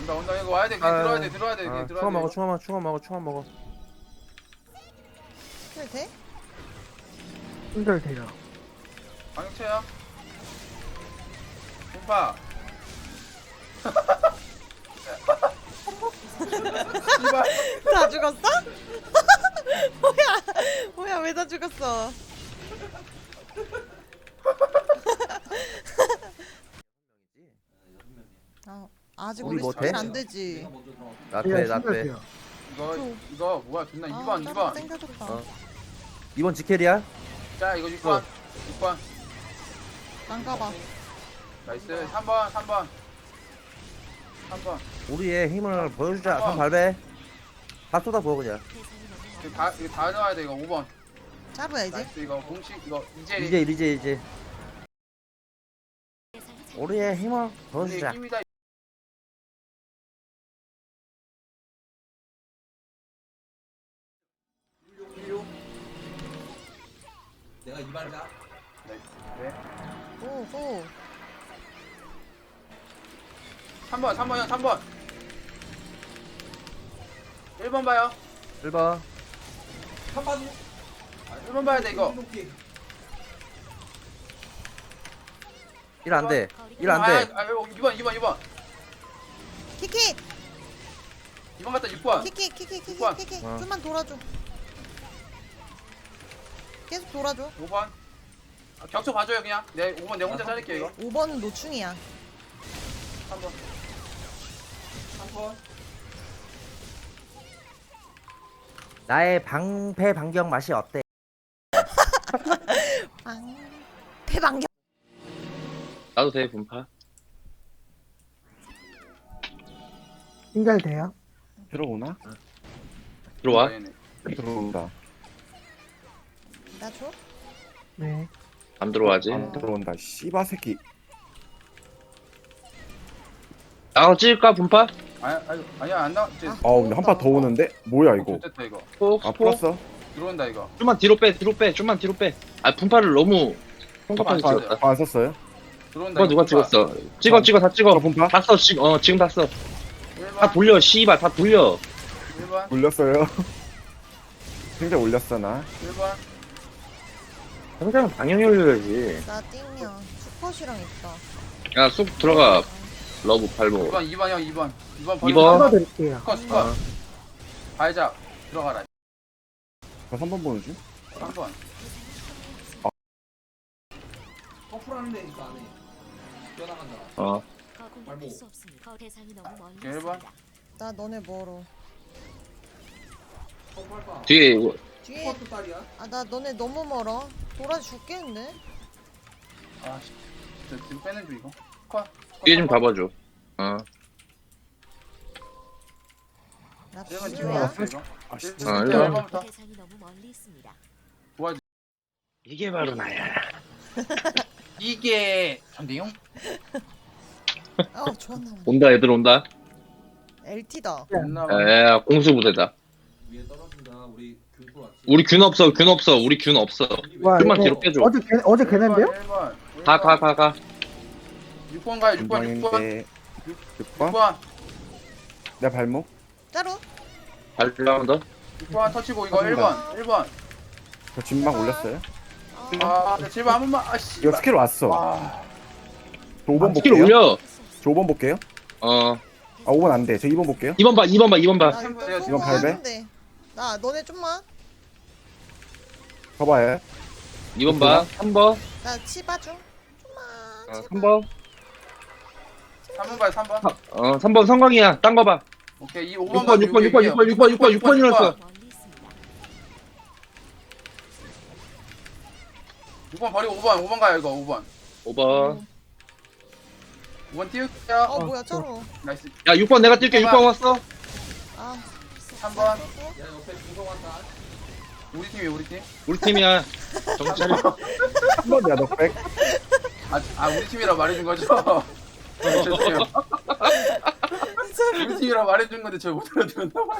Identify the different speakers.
Speaker 1: 온다 이거 와야 돼. 그냥 들어야 돼. 들어야 돼. 그냥 들어야
Speaker 2: 충원
Speaker 1: 돼.
Speaker 2: 먹어, 충원 먹어.
Speaker 3: 킬 돼?
Speaker 4: 충전 돼요.
Speaker 1: 방역체야. 공파. 씨발.
Speaker 3: 다 죽었어? 뭐야 왜 다 죽었어? 아직
Speaker 2: 우리
Speaker 3: 우리
Speaker 2: 뭐
Speaker 3: 스킬
Speaker 2: 돼?
Speaker 3: 안 되지.
Speaker 2: 나빼.
Speaker 4: 충전 돼요.
Speaker 1: 이거 뭐야 존나 2번
Speaker 3: 아,
Speaker 1: 2번.
Speaker 3: 땡겨줬다.
Speaker 2: 어. 2번 지켈이야?
Speaker 1: 자 이거 6번 6번.
Speaker 3: 난 가봐.
Speaker 1: 나이스 3번 3번.
Speaker 2: 우리의 힘을 보여주자.
Speaker 1: 어.
Speaker 2: 3 발배. 다 쏟아 부어 그냥.
Speaker 1: 이거 다 넣어야 돼 이거 5번.
Speaker 3: 잡아야지.
Speaker 1: 나이스 이거 공식 이거 이제
Speaker 2: 이제. 우리의 힘을 보여주자.
Speaker 1: 힘이다.
Speaker 5: 내가 이발자.
Speaker 1: 네.
Speaker 3: 오호.
Speaker 1: 3번 3번이요 3번. 1번 봐요.
Speaker 2: 1번.
Speaker 5: 한번
Speaker 1: 1번 봐야 돼 이거.
Speaker 2: 1 안 돼. 1 안 돼.
Speaker 1: 2번.
Speaker 3: 키키
Speaker 1: 2번 갔다 6번.
Speaker 3: 키키
Speaker 1: 오빠.
Speaker 2: 어.
Speaker 3: 좀만 돌아줘. 계속 돌아줘.
Speaker 1: 5번. 격초 봐줘요 그냥. 5번 내가 혼자 자를게요 이거.
Speaker 3: 5번은 노충이야.
Speaker 1: 3번.
Speaker 5: 3번.
Speaker 2: 나의 방패 반경 맛이 어때?
Speaker 3: 대방경.
Speaker 6: 나도 돼 분파.
Speaker 4: 충전 돼요.
Speaker 7: 들어오나?
Speaker 6: 들어와.
Speaker 1: 얘네.
Speaker 7: 들어온다.
Speaker 3: 나 줘?
Speaker 4: 네.
Speaker 6: 안 들어와지.
Speaker 7: 안 들어온다. 씨바 새끼.
Speaker 6: 나가 찍을까 분파?
Speaker 1: 아니야 안 나와. 이제
Speaker 7: 근데 한 판 더 오는데? 뭐야 이거?
Speaker 1: 됐다 이거.
Speaker 6: 스포
Speaker 7: 아
Speaker 6: 스포.
Speaker 7: 풀었어?
Speaker 1: 들어온다 이거.
Speaker 6: 좀만 뒤로 빼. 좀만 뒤로 빼. 아 분파를 너무
Speaker 1: 잠깐만,
Speaker 6: 펑펑
Speaker 1: 진짜.
Speaker 6: 찍었다.
Speaker 7: 안 썼어요?
Speaker 1: 들어온다.
Speaker 6: 그거 누가 찍었어? 찍어 다 찍어.
Speaker 7: 저 분파?
Speaker 6: 다 써. 지금 다 써.
Speaker 1: 1번.
Speaker 6: 다 돌려. 씨발 다 돌려.
Speaker 1: 1번.
Speaker 7: 올렸어요. 굉장히 올렸어 나.
Speaker 1: 1번.
Speaker 6: 당장 방향이 올려야지.
Speaker 3: 나 띵이야. 수컷이랑 있다.
Speaker 6: 야 쑥 들어가. 러브 팔보.
Speaker 1: 2번 형 2번. 2번 버리고.
Speaker 6: 2번.
Speaker 4: 끊어드릴게요.
Speaker 1: 스컷. 발작. 들어가라.
Speaker 7: 저 3번 보는 중?
Speaker 1: 3번.
Speaker 5: 커플하는 데니까 안 해. 뛰어나간다.
Speaker 6: 어.
Speaker 5: 발목.
Speaker 1: 1번.
Speaker 3: 나 너네 멀어.
Speaker 5: 커플할까?
Speaker 6: 뒤에 이거
Speaker 3: 뒤에
Speaker 5: 커플 딸이야?
Speaker 3: 나 너네 너무 멀어. 돌아 죽겠는데?
Speaker 1: 아씨. 저 뒤로 빼는 중 이거. 스컷.
Speaker 6: 뒤에 좀 잡아줘. 어.
Speaker 3: 나
Speaker 1: 1번
Speaker 3: 비주야.
Speaker 1: 이거.
Speaker 7: 아 씨.
Speaker 1: 1번부터. 도와줘.
Speaker 6: 이게 바로 나야.
Speaker 1: 이게 전대용?
Speaker 3: 좋았나 보네.
Speaker 6: 온다 애들 온다.
Speaker 3: LT다.
Speaker 1: 없나 봐.
Speaker 6: 야 공수 부대다.
Speaker 5: 위에 떨어진다. 우리 균포 왔지.
Speaker 6: 우리 균 없어. 우리 균 없어.
Speaker 4: 와,
Speaker 6: 좀만
Speaker 4: 이거
Speaker 6: 뒤로 빼줘.
Speaker 4: 어제 걔네인데요?
Speaker 1: 1번.
Speaker 6: 가.
Speaker 1: 6번 가요 6번 6번.
Speaker 7: 인정인데 6번?
Speaker 1: 6번.
Speaker 7: 내 발목?
Speaker 3: 짜루?
Speaker 6: 발라운더.
Speaker 1: 6번 터치고 이거 1번. 1번.
Speaker 7: 저 진막 올렸어요?
Speaker 1: 제발 한 번만. 아씨.
Speaker 7: 이거 스킬 왔어.
Speaker 1: 와.
Speaker 7: 저 5번
Speaker 6: 스킬
Speaker 7: 볼게요.
Speaker 6: 올려.
Speaker 7: 저 5번 볼게요.
Speaker 6: 어.
Speaker 7: 아 5번 안 돼. 저 2번 볼게요.
Speaker 6: 2번 봐.
Speaker 3: 나
Speaker 1: 이건
Speaker 3: 이거
Speaker 7: 발배?
Speaker 3: 하는데. 나 너네 좀만.
Speaker 7: 봐봐요.
Speaker 6: 2번 봐. 3번.
Speaker 3: 나 치바 중. 좀만.
Speaker 6: 어,
Speaker 3: 제발.
Speaker 6: 3번.
Speaker 1: 3번 가요 3번.
Speaker 6: 3번 성광이야. 딴 거 봐.
Speaker 1: 오케이 이
Speaker 6: 6번
Speaker 1: 5번
Speaker 6: 6번 일어났어.
Speaker 1: 6번 버리고 5번 가요 이거 5번.
Speaker 6: 5번.
Speaker 1: 5번 띄울게요.
Speaker 3: 뭐야 짜루.
Speaker 1: 나이스.
Speaker 6: 야 6번 내가 뛸게. 6번 왔어.
Speaker 1: 3번.
Speaker 5: 야 옆에 중성 왔다.
Speaker 1: 우리 팀이에요 우리 팀.
Speaker 6: 우리 팀이야. 정신 차려.
Speaker 7: 3번이야 너 백.
Speaker 1: 우리 팀이라 말해준 거죠? 죄송해요. 우리 팀이라 말해준 건데 제가 못 알아들었나 봐요.